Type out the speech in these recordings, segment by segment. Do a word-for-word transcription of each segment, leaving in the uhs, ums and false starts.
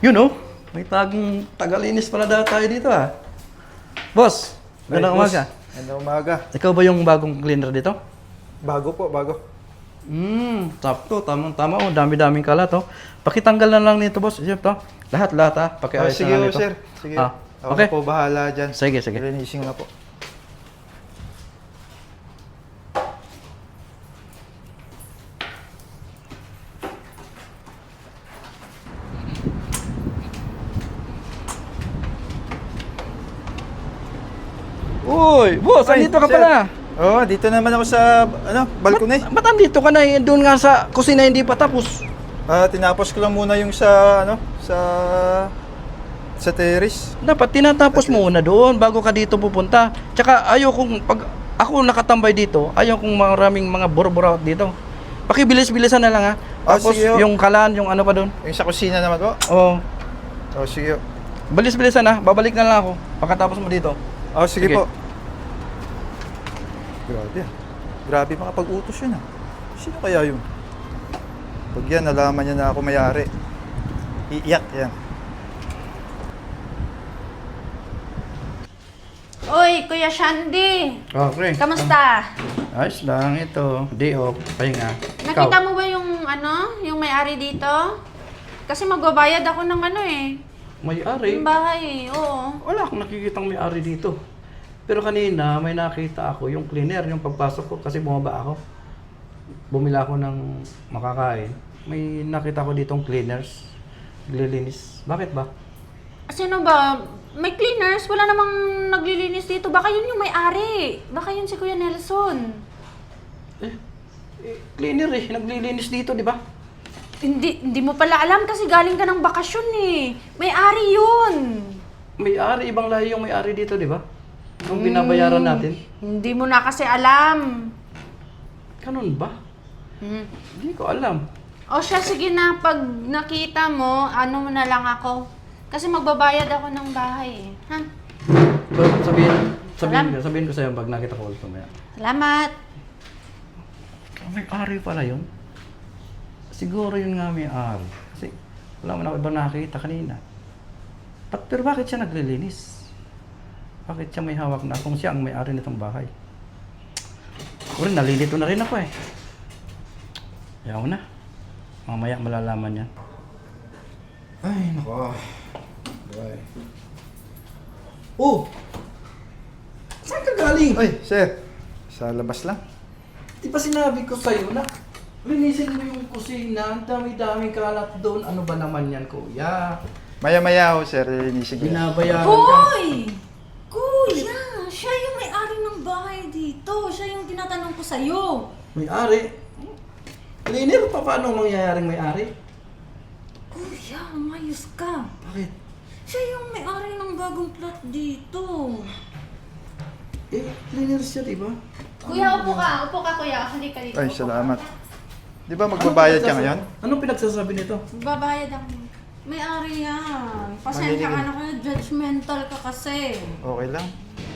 Yun oh, may tagong tagalinis pala data tayo dito ah. Boss, magandang umaga. Magandang umaga. Ikaw ba yung bagong cleaner dito? Bago po, bago. Hmm, sakto, tamang-tama oh, dami-daming kalat oh. Pakitanggal na lang nito boss, Jeff to. Lahat-lahat ah, Ah, pakiayos sige na lang po, nito. sir. Sige. Ah, Ako okay. na po bahala dyan. Sige, sige. Linisin na po. Uy, boss, Ay, andito ka sir. pala. Oo, oh, dito naman ako sa, ano, balkone. Ba't andito ka na eh? Doon nga sa kusina hindi pa tapos. Ah, tinapos ko lang muna yung sa, ano, sa, sa terrace. Dapat tinatapos mo muna doon bago ka dito pupunta. Tsaka ayaw kong, pag ako nakatambay dito, ayaw kong maraming mga borbor dito. Pakibilis-bilisan na lang ha. Ah, Tapos sige, oh. yung kalan, yung ano pa doon. Yung sa kusina naman po. Oh, Oh, sige. bilis-bilisan ha. Babalik na lang ako pagkatapos mo dito. Oh, sige, Sige. po. Grabe ah. Grabe makapag-utos yun ah. Sino kaya yun? Pag yan, nalaman niya na ako may-ari. Iiyak yan. Uy, Kuya Shandy! Okay. Kamusta? Ayos lang ito. Day off. Pahinga. Nakita mo ba yung ano, yung may-ari dito? Kasi magbabayad ako ng ano eh. May-ari? Yung bahay eh, oo. Wala akong nakikitang may-ari dito. Pero kanina, may nakita ako yung cleaner, yung pagpasok ko, kasi bumaba ako. Bumila ako ng makakain. May nakita ko ditong cleaners. Naglilinis. Bakit ba? Sino ba? May cleaners? Wala namang naglilinis dito. Baka yun yung may-ari. Baka yun si Kuya Nelson. Eh, eh cleaner eh. Naglilinis dito, di ba? Hindi, hindi mo pala alam kasi galing ka ng bakasyon eh. May-ari yun. May-ari, ibang lahi yung may-ari dito, di ba? Nung binabayaran natin. Hindi mo na kasi alam. Ganun ba? Hmm. Hindi ko alam. O siya, sige na. Pag nakita mo, ano mo na lang ako. Kasi magbabayad ako ng bahay eh. Ha? Pero sabihin, sabihin Alam. ko, sabihin ko sa'yo pag nakita ko ulit mamaya. Salamat. Ah, may-ari pala yun. Siguro yun nga may-ari. Kasi wala man ako ibang nakakita kanina. But, pero bakit siya naglilinis? Bakit siya may hawak na kung siya ang may-ari nitong bahay? Uri, nalilito na rin ako eh. Ayaw na. Mamaya malalaman yan. Ay, nako. Bye. Oh! Saan ka galing? Ay, sir. Sa labas lang. Di ba sinabi ko sa'yo na linisin mo yung kusina, ang dami-daming kalat doon. Ano ba naman yan, kuya? Maya-maya ako, sir. Linisin ko. yan. Binabayaran ka. Hoy! Kuya! Siya yung may-ari ng bahay dito. Siya yung tinatanong ko sa'yo. May-ari? Cleaner pa, paano mangyayaring may-ari? Kuya, umayos ka. Bakit? Siya yung may-ari ng bagong plot dito. Eh, cleaner siya, di ba? Kuya, upo ka. Upo ka, kuya. Halika dito. Ay, Upo salamat. ka. Di ba magbabayad ka pinagsasa- ngayon? Anong pinagsasabi nito? Magbabayad ako. May-ari yan. Pasensya ka na kaya, judgmental ka kasi. Okay lang.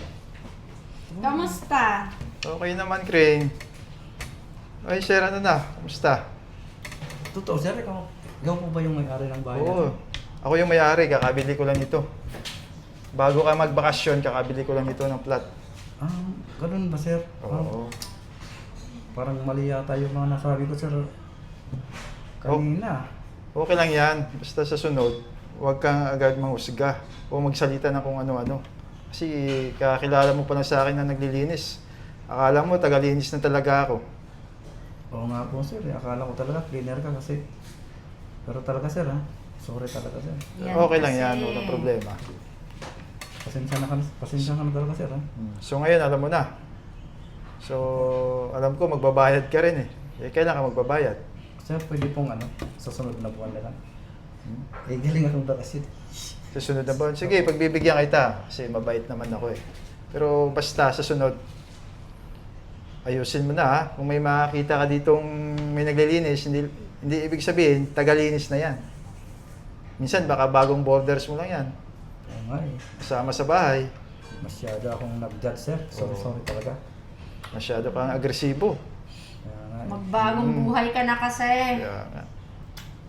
Kamusta? Okay naman, Crane. Ay, sir, ano na? Kamusta? Totoo, sir, ikaw, ikaw po ba yung may-ari ng bahay? Oo. Ako yung may-ari, kakabili ko lang ito. Bago ka magbakasyon, kakabili ko lang ito ng plot. Ah, ganun ba, sir? Ah, Oo. parang mali yata yung mga nasabi ko, sir. Kanina. Okay lang yan. Basta sa sunod, huwag kang agad manghusga o magsalita ng kung ano-ano. Kasi kakilala mo pa lang sa akin na naglilinis. Akala mo, tagalinis na talaga ako. Oo nga po, sir. Eh, akala ko talaga cleaner ka kasi. Pero talaga, sir, ha? Sorry talaga, sir. Yan Okay lang kasi. yan, walang problema. Pasensya na ka, pasensya ka na talaga, sir, ha? Hmm. So ngayon, alam mo na. So, alam ko, magbabayad ka rin eh. Eh, kailan ka magbabayad? Sir, pwede pong ano, sa sunod na buwan na lang. Hmm? Eh, galing akong bakasit. Sa sunod na buwan? Sige, pagbibigyan kita. Kasi mabait naman ako eh. Pero basta, sa sunod, ayusin mo na ha. Kung may makakita ka ditong may naglilinis, hindi, hindi ibig sabihin, tagalinis na yan. Minsan, baka bagong borders mo lang yan. Oo nga eh. Kasama sa bahay. Masyado akong nag-judge, sir. Sorry, Oo. sorry talaga. Masyado kang agresibo. Kaya nga eh. Magbagong Mm. buhay ka na kasi. Kaya nga.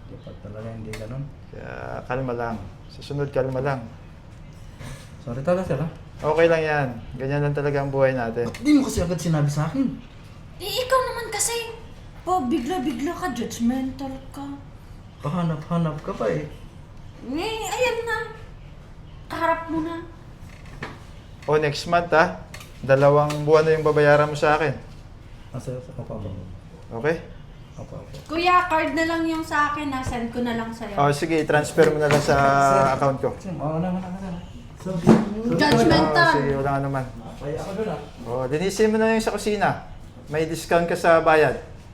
Dapat talaga hindi ganun. Kaya kalma lang. Sa sunod, kalma lang. Sorry talaga sir ha. Okay lang yan. Ganyan lang talaga ang buhay natin. Hindi mo kasi agad sinabi sa akin. Eh, ikaw naman kasi. Po, bigla-bigla ka, judgmental ka. Pahanap-hanap ka pa eh. Eh, ayan na. Kaharap mo na. O next month ha, dalawang buwan na yung babayaran mo sa akin. Nasa sa kapaba mo. Okay? Apa, apa. Kuya, card na lang yung sa akin na. Send ko na lang sa'yo. O sige, transfer mo na lang sa account ko. Sir, oo naman ako na. So, Judgmental. O, sige, wala nga naman. Kaya ako doon ah. O, linisin mo na yung sa kusina. May discount ka sa bayad.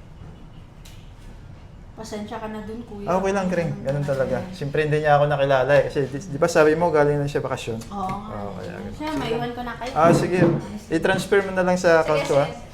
Pasensya ka na dun, kuya. Ah, okay lang, Kring. Ganun talaga. Siyempre hindi niya ako nakilala eh. Kasi di, di ba sabi mo galing lang siya bakasyon? Oo. Oo, kaya ganun. Siya, maiwan ko na kayo. Ah, sige. I-transfer mo na lang sa account ko ha.